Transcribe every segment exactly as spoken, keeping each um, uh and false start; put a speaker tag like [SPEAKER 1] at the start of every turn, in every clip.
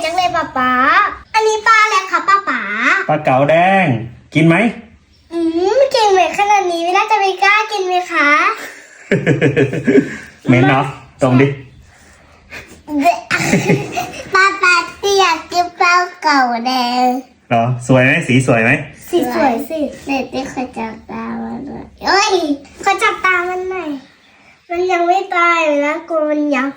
[SPEAKER 1] จังเลยป๊าป๊าอันนี้ปลาอะไรคะป๊าป๊า
[SPEAKER 2] ปลาเก๋าแดงกินไหม
[SPEAKER 1] อืมเก่งเหมือนขนาดนี้ไม่น่าจะไม่กล้ากินไหมคะ
[SPEAKER 2] เหม็นเนาะตรงดิ
[SPEAKER 1] ป๊าป๊าเตียกกินปลาเก๋าแดง
[SPEAKER 2] เหรอสวยไหมสีสวยไหม
[SPEAKER 1] สีสวยสิเด็กที่เขาจับตามันเลยเอ้ยเขาจับตามันหน่อยมันยังไม่ตายเลยนะกลัวมันยัง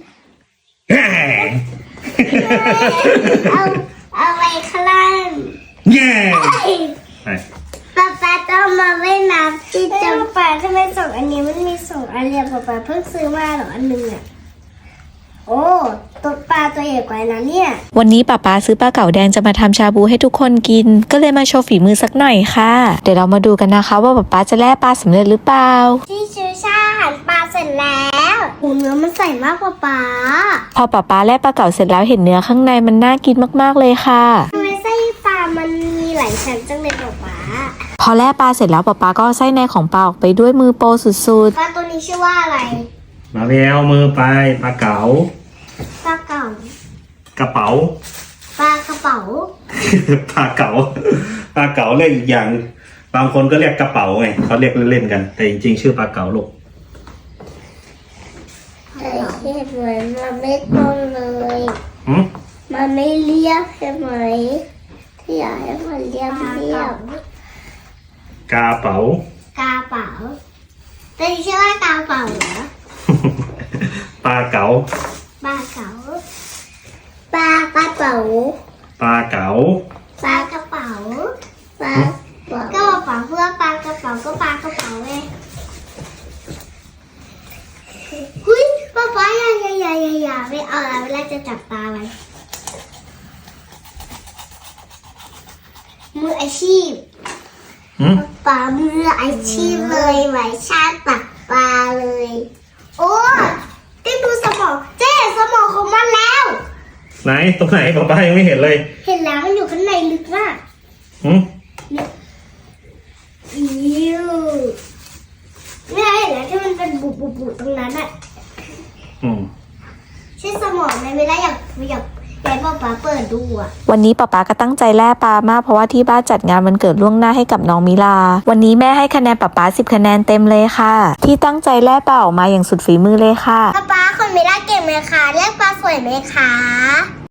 [SPEAKER 1] เอาเอาไว้ข้างล่าง
[SPEAKER 2] เย้
[SPEAKER 1] ป๊าป๊าต้องมาเล่นน้ำที่จังป๊าทำไมสองอันนี้มันมีสองอันเรียบป๊าป๊าเพิ่งซื้อมาหรออันหนึ่งอ่ะโอ้ตัวปลาตัวใหญ่กว่านั้นเนี่ย
[SPEAKER 3] วันนี้ป้าป๊าซื้อปลาเก๋าแดงจะมาทำชาบูให้ทุกคนกินก็เลยมาโชว์ฝีมือสักหน่อยค่ะเดี๋ยวเรามาดูกันนะคะว่าป้าป๊าจะแล่ปลาสำเร็จหรือเปล่า
[SPEAKER 1] ที่ชูชาหั่นปลาเสร็จแล้วหูเนื้อมันใสมากป๊าป๊า
[SPEAKER 3] พอป้าป๊าแล่ปลาเก๋าเสร็จแล้วเห็นเนื้อข้างในมันน่ากินมากๆเลยค่ะ
[SPEAKER 1] ทำไมไส้ปลามันมีหลายชั้นจังเลยป๊าป๊า
[SPEAKER 3] พอแล่ปลาเสร็จแล้วป้าป๊าก็เอาไส้ในของปลาออกไปด้วยมือโปรสุด
[SPEAKER 1] ๆปลาตัวนี้ชื่อว่าอะไร
[SPEAKER 2] มาไปเอามือไปปลาเก๋า
[SPEAKER 1] ปลาเก๋า
[SPEAKER 2] กระเป๋า
[SPEAKER 1] ปลากระเป๋า
[SPEAKER 2] ปลาเก๋าปลาเก๋าเรียกอีกอย่างบางคนก็เรียกกระเป๋าไงเขาเรียกเล่นๆกันแต่จริงๆชื่อปลาเก๋าลูก
[SPEAKER 1] ไอ้เห็นเหมือนมันไม่ตรงเลยมันไม่เรียบใช่ไหมที่อยากให้มันเรียบเรียบ
[SPEAKER 2] กระเป๋าก
[SPEAKER 1] ระเป๋าแต่ชื่อว่ากระเป๋าเหรอ
[SPEAKER 2] ปลาเก๋า
[SPEAKER 1] ปลาเก๋าปลากระเป๋า
[SPEAKER 2] ปลาเก๋า
[SPEAKER 1] ปลากระเป๋าปลาก็กระเป๋าเพื่อปลากระเป๋าก็ปลากระเป๋าไงหุ้ยป๊าป๊าอย่าอย่าอย่าอย่าอย่าไม่เอาละเวลาจะจับตาไว้มืออาชีพป๊ามืออาชีพเลยไหวชาติตักปลาเลยโอ้ได้ดูสมองเจ๊สมองของมันแล้ว
[SPEAKER 2] ไหนตรงไหนป๊าป๊ายังไม่เห็นเลย
[SPEAKER 1] เห็นแล้วมันอยู่ข้างในลึกมาก
[SPEAKER 2] อืม
[SPEAKER 1] อิวเนี่ยเห็นแล้วที่มันเป็นบุบบุบบุตรงนั้นอ่ะ
[SPEAKER 2] อืม
[SPEAKER 1] ใช่สมองในเวลาอยากอยากอยากป๊าป๊าเปิดดูอ่ะ
[SPEAKER 3] วันนี้ป้าป๊าก็ตั้งใจแล่ปลามากเพราะว่าที่บ้านจัดงานวันเกิดล่วงหน้าให้กับน้องมิลาวันนี้แม่ให้คะแนนป้าป๊าสิบคะแนนเต็มเลยค่ะที่ตั้งใจแล่ปลาออกมาอย่างสุดฝีมือเลยค่ะ
[SPEAKER 1] ป๊าป๊าคนมิลาเก่งไหมคะเรียกปลาสวยไหมคะ